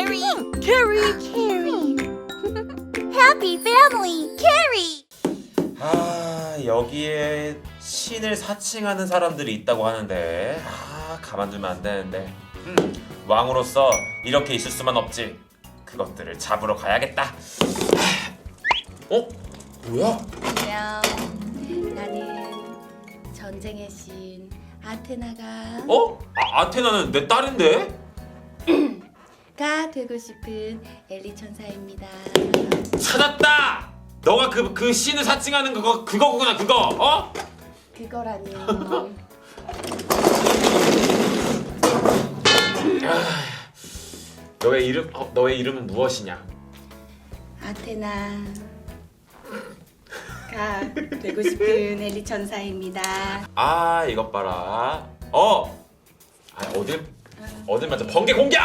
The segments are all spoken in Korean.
Carrie. Happy family, Carrie. 아, 여기에 신을 사칭하는 사람들이 있다고 하는데 가만두면 안 되는데 왕으로서 이렇게 있을 수만 없지. 그것들을 잡으러 가야겠다. 어? 뭐야? 안녕. 나는 전쟁의 신 아테나가 어? 아테나는 내 딸인데? 되고 싶은 엘리 천사입니다. 찾았다! 너가 그 신을 사칭하는 그거구나 그거 어? 그거라니요. 너의 이름은 무엇이냐? 아테나가 되고 싶은 엘리 천사입니다. 아 이것 봐라. 어딜 맞아? 번개 공격!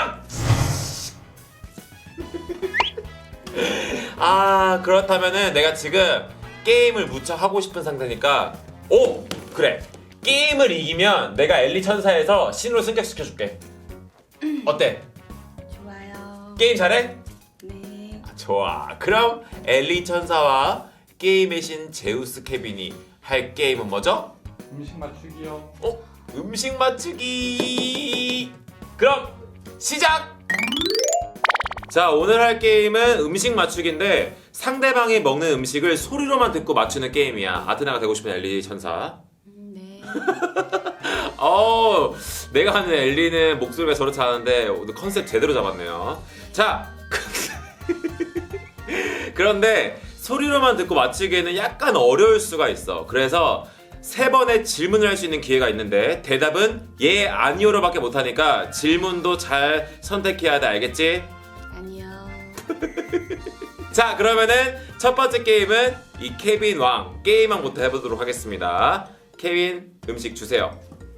그렇다면은 내가 지금 게임을 무척 하고 싶은 상태니까 그래, 게임을 이기면 내가 엘리 천사에서 신으로 승격시켜줄게. 어때? 좋아요. 게임 잘해? 네. 좋아. 그럼 엘리 천사와 게임의 신 제우스 케빈이 할 게임은 뭐죠? 음식 맞추기요. 음식 맞추기. 그럼 시작! 자, 오늘 할 게임은 음식 맞추기인데 상대방이 먹는 음식을 소리로만 듣고 맞추는 게임이야. 아테나가 되고 싶은 엘리 천사. 네. 내가 하는 엘리는 목소리가 저렇지 않은데 오늘 컨셉 제대로 잡았네요. 자, 그런데 소리로만 듣고 맞추기에는 약간 어려울 수가 있어. 그래서 3번의 질문을 할 수 있는 기회가 있는데 대답은 예, 아니오로밖에 못하니까 질문도 잘 선택해야 돼. 알겠지? 아니요. 자, 그러면은 첫 번째 게임은 이 케빈 왕 게임왕부터 해보도록 하겠습니다. 케빈, 음식 주세요.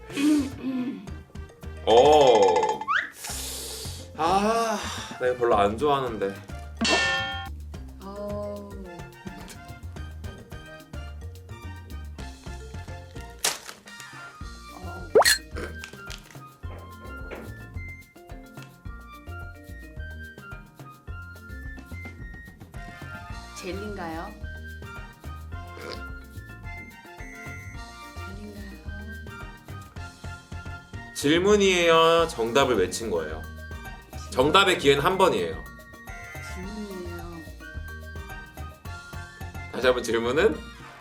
내가 별로 안 좋아하는데. 젤리인가요? 질문이에요? 정답을 외친 거예요? 정답의 기회는 한 번이에요. 질문이에요. 다시 한번 질문은?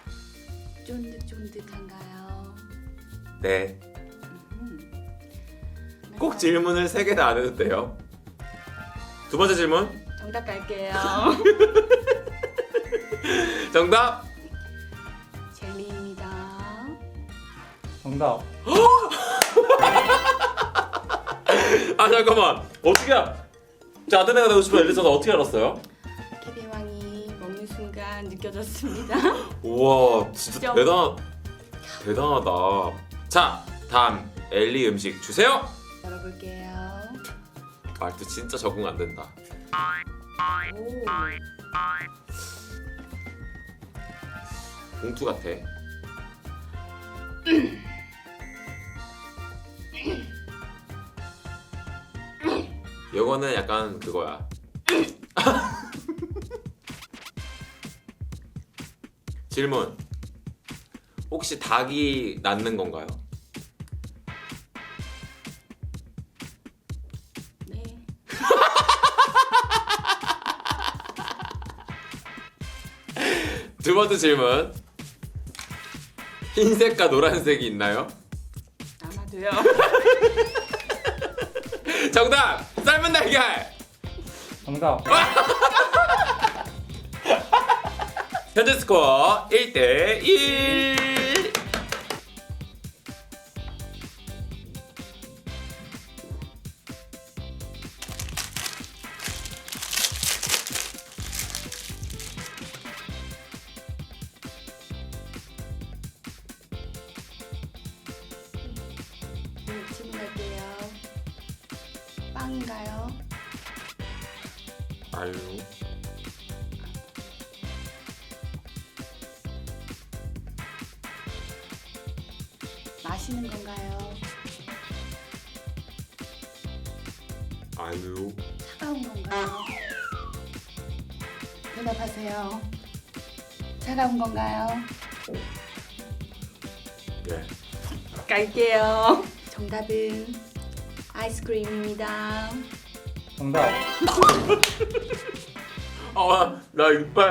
쫀득쫀득한가요? 네. 꼭 질문을 3개나 안 해도 돼요. 두 번째 질문. 정답 갈게요. 정답. 젤리입니다. 정답. 잠깐만. 어떻게 자, 아테나가 되고 싶은 엘리 천사 어떻게 알았어요? 케빈 왕이 먹는 순간 느껴졌습니다. 우와, 진짜 점. 대단하다. 자, 다음 엘리 음식 주세요. 열어볼게요. 말투 진짜 적응 안 된다. 오. 봉투 같아. 이거는 약간 그거야. 질문. 혹시 닭이 낳는 건가요? 네. 두 번째 질문. 흰색과 노란색이 있나요? 아마도요. 정답! 삶은 달걀! 정답. 현재 스코어 1대1. 질문할게요. 빵인가요? 아유. 마시는 건가요? 아유. 차가운 건가요? 대답하세요. 차가운 건가요? 네. 갈게요. 정답은 아이스크림입니다. 정답. 나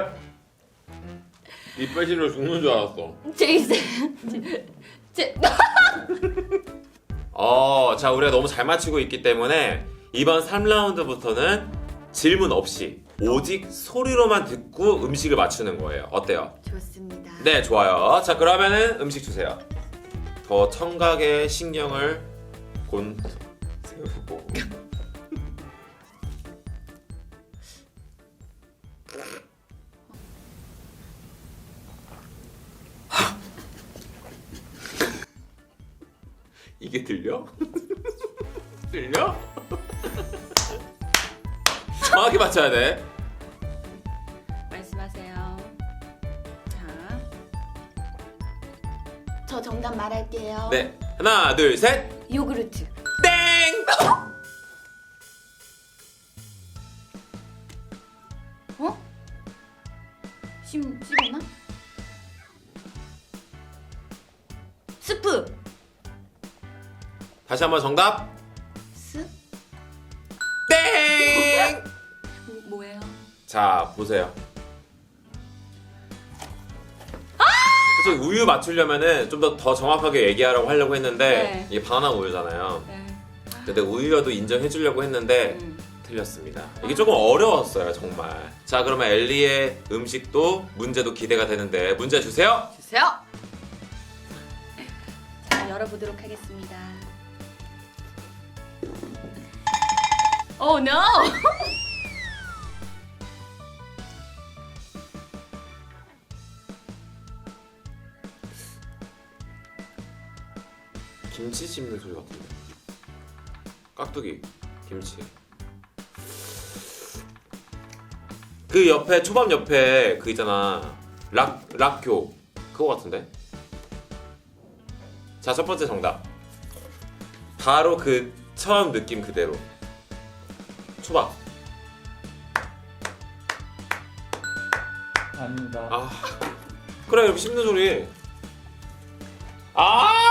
이빨 실로 죽는 줄 알았어. 제이슨. 제. 자, 우리가 너무 잘 맞추고 있기 때문에 이번 3라운드부터는 질문 없이 오직 소리로만 듣고 음식을 맞추는 거예요. 어때요? 좋습니다. 네, 좋아요. 자, 그러면은 음식 주세요. 더 청각의 신경을 세우고. 이게 들려? 들려? 정확히 맞춰야 돼. 말씀하세요. 자, 저 정답 말할게요. 네, 하나, 둘, 셋. 요구르트. 땡! 어? 씹었나? 스프. 다시 한번 정답. 스? 땡! 뭐예요? 자, 보세요. 사실 우유 맞추려면은 좀 더 정확하게 얘기하라고 하려고 했는데 네. 이게 바나나 우유잖아요. 네. 근데 우유여도 인정해주려고 했는데 틀렸습니다. 이게 조금 어려웠어요, 정말. 자, 그러면 엘리의 음식도 문제도 기대가 되는데 문제 주세요. 주세요. 자, 열어보도록 하겠습니다. Oh no! 김치 씹는 소리 같은데. 깍두기, 김치. 그 옆에 초밥 옆에 그 있잖아. 락교 그거 같은데. 자, 첫 번째 정답. 바로 그 처음 느낌 그대로. 초밥. 아닙니다. 아, 그래 이렇게 씹는 소리. 아,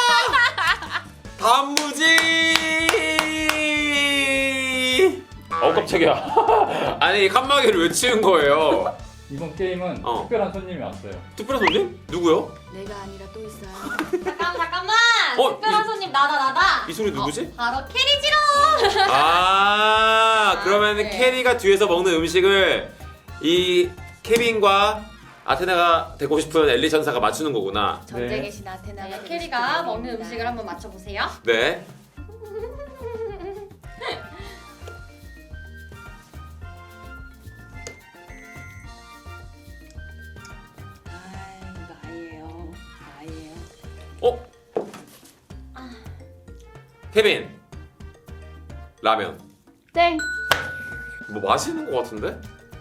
단무지. 깜짝이야. 아니 칸막이를 왜 치운 거예요? 이번 게임은 특별한 손님이 왔어요. 특별한 손님? 누구요? 내가 아니라 또 있어요. 잠깐만. 특별한 손님 나다. 이 소리 누구지? 바로 캐리지롱. 아, 그러면 네. 캐리가 뒤에서 먹는 음식을 이 케빈과 아테나가 되고 싶은 엘리 천사가 맞추는 거구나. 전쟁의 신 아테나가 되고 캐리가 싶은 먹는 분입니다. 음식을 한번 맞춰보세요. 네. 아, 이거 아이예요. 아이예요. 어? 케빈. 라면. 땡. 뭐 맛있는 거 같은데?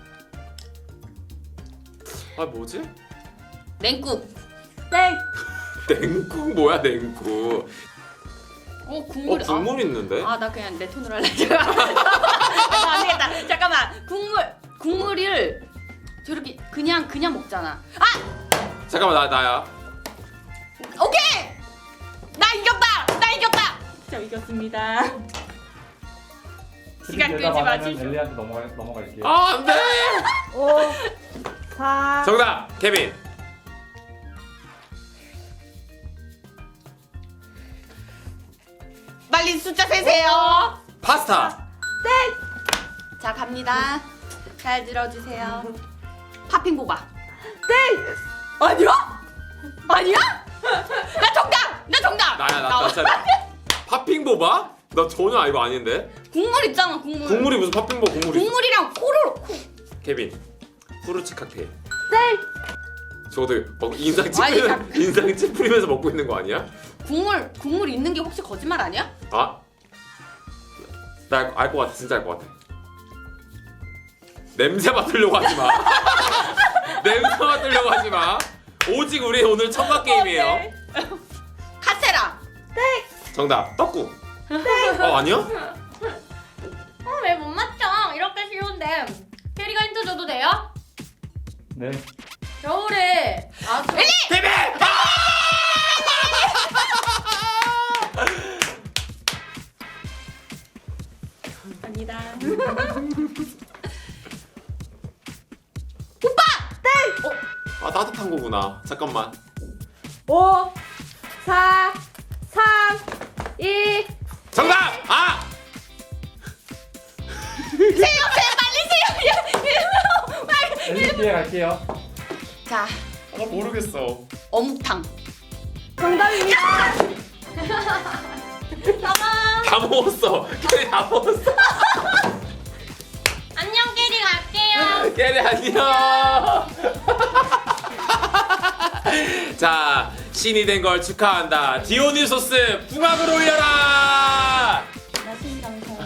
아, 뭐지? 냉국. 땡. 냉국 뭐야, 냉국? 국물. 국물 있는데? 나 그냥 내 톤으로 할래. 안 되겠다. 잠깐만. 국물을 저렇게 그냥 먹잖아. 잠깐만, 나야. 오케이. 나 이겼다. 저 이겼습니다. 시간 대답 끌지 안 하면 마시죠. 엘리한테 넘어갈게요. 아, 안 돼! 5, 4. 정답! 케빈! 빨리 숫자 세세요. 파스타! 자, 갑니다. 잘 들어주세요. 팥빙보바. 땡. 아니야? 나 정답. 나야, 나 차례야. 팥빙보바? 나 전혀 이거 아닌데? 국물 있잖아, 국물. 국물이 무슨 팥빙보 국물이 있어? 국물이랑 코로. 케빈, 후르츠 칵테일. 땡. 저도 인상 아니, 찌푸리면서 먹고 있는 거 아니야? 국물 있는 게 혹시 거짓말 아니야? 아? 나 알 것 같아, 진짜 알 것 같아. 냄새 맡으려고 하지 마. 냄새 맡으려고 하지 마. 오직 우리 오늘 청각 게임이에요. 카세라. 정답, 떡국. 아니야? 왜 못 맞춰? 이렇게 쌤, 캐리가 힌트 줘도 돼요? 네. 겨울에 아주 베베! 갑니다. 아 따뜻한 거구나. 잠깐만. 5, 4, 3, 2. 정답! 아! 엘리 기회 갈게요. 자, 나 모르겠어. 어묵탕. 정답입니다. 다 먹었어. 캐리 다 먹었어. 안녕, 캐리 갈게요. 캐리 안녕. 자, 신이 된 걸 축하한다. 디오니소스 풍악을 올려라. 나신 감사해요.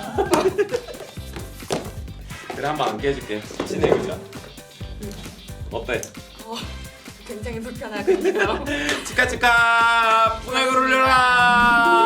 그래 한번 안 깨줄게. 신의 의자. 어때? 굉장히 불편하군요. 치카 치카 풍악을 올려라.